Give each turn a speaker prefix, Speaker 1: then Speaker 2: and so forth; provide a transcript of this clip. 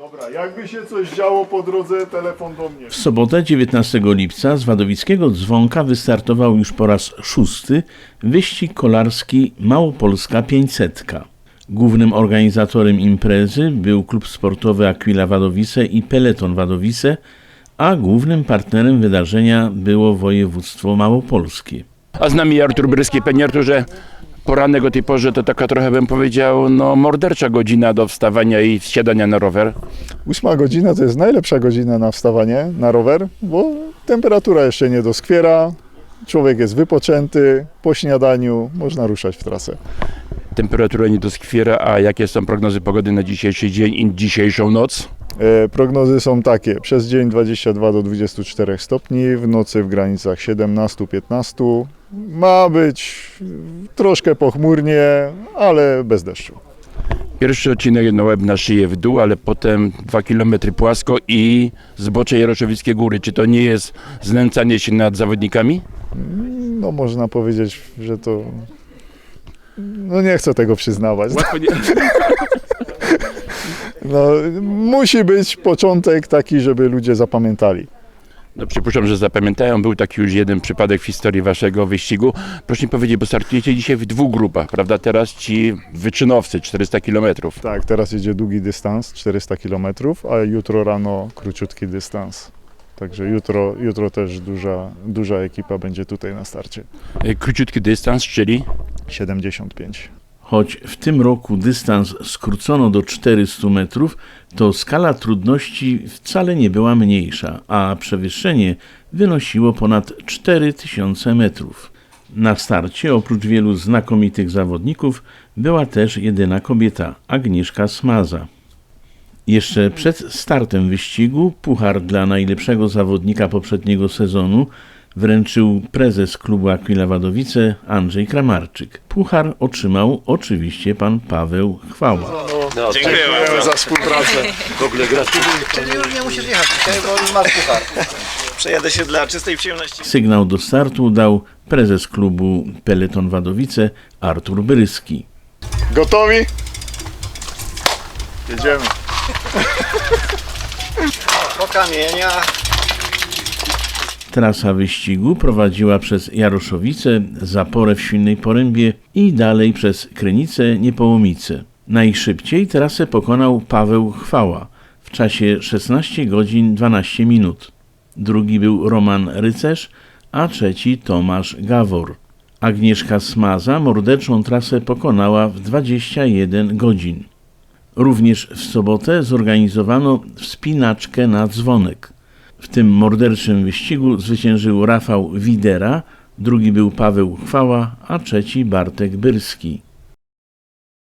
Speaker 1: Dobra, jakby się coś działo po drodze, telefon do mnie.
Speaker 2: W sobotę 19 lipca z wadowickiego Dzwonka wystartował już po raz 6. wyścig kolarski Małopolska 500. Głównym organizatorem imprezy był klub sportowy Aquila Wadowice i Peleton Wadowice, a głównym partnerem wydarzenia było województwo małopolskie.
Speaker 3: A z nami Artur Bryski. Panie Arturze, poranek o tej porze to taka trochę bym powiedział, mordercza godzina do wstawania i wsiadania na rower.
Speaker 1: 8 godzina to jest najlepsza godzina na wstawanie na rower, bo temperatura jeszcze nie doskwiera, człowiek jest wypoczęty, po śniadaniu można ruszać w trasę.
Speaker 3: Temperatura nie doskwiera, a jakie są prognozy pogody na dzisiejszy dzień i dzisiejszą noc?
Speaker 1: Prognozy są takie, przez dzień 22 do 24 stopni, w nocy w granicach 17-15. Ma być troszkę pochmurnie, ale bez deszczu.
Speaker 3: Pierwszy odcinek na łeb na szyję w dół, ale potem 2 km płasko i zbocze Jaroszowickie Góry. Czy to nie jest znęcanie się nad zawodnikami?
Speaker 1: No można powiedzieć, że to... No nie chcę tego przyznawać. No, musi być początek taki, żeby ludzie zapamiętali.
Speaker 3: No przypuszczam, że zapamiętają. Był taki już jeden przypadek w historii waszego wyścigu. Proszę mi powiedzieć, bo startujecie dzisiaj w 2 grupach, prawda? Teraz ci wyczynowcy, 400 km.
Speaker 1: Tak, teraz jedzie długi dystans, 400 km, a jutro rano króciutki dystans. Także jutro też duża ekipa będzie tutaj na starcie.
Speaker 3: Króciutki dystans, czyli
Speaker 1: 75.
Speaker 2: Choć w tym roku dystans skrócono do 400 metrów, to skala trudności wcale nie była mniejsza, a przewyższenie wynosiło ponad 4000 metrów. Na starcie, oprócz wielu znakomitych zawodników, była też jedyna kobieta, Agnieszka Smaza. Jeszcze przed startem wyścigu puchar dla najlepszego zawodnika poprzedniego sezonu wręczył prezes klubu Aquila Wadowice Andrzej Kramarczyk. Puchar otrzymał oczywiście pan Paweł Chwała.
Speaker 1: Dziękujemy za współpracę.
Speaker 3: w ogóle gratuluję.
Speaker 4: Czyli już nie musisz jechać dzisiaj, bo już masz puchar.
Speaker 5: Przejadę się dla czystej przyjemności.
Speaker 2: Sygnał do startu dał prezes klubu Peleton Wadowice Artur Bryski.
Speaker 1: Gotowi? Jedziemy.
Speaker 4: Po kamieniach.
Speaker 2: Trasa wyścigu prowadziła przez Jaroszowice, Zaporę w Świnnej Porębie i dalej przez Krynice, Niepołomice. Najszybciej trasę pokonał Paweł Chwała w czasie 16 godzin 12 minut. Drugi był Roman Rycerz, a trzeci Tomasz Gawor. Agnieszka Smaza morderczą trasę pokonała w 21 godzin. Również w sobotę zorganizowano wspinaczkę na Dzwonek. W tym morderczym wyścigu zwyciężył Rafał Widera, drugi był Paweł Chwała, a trzeci Bartek Byrski.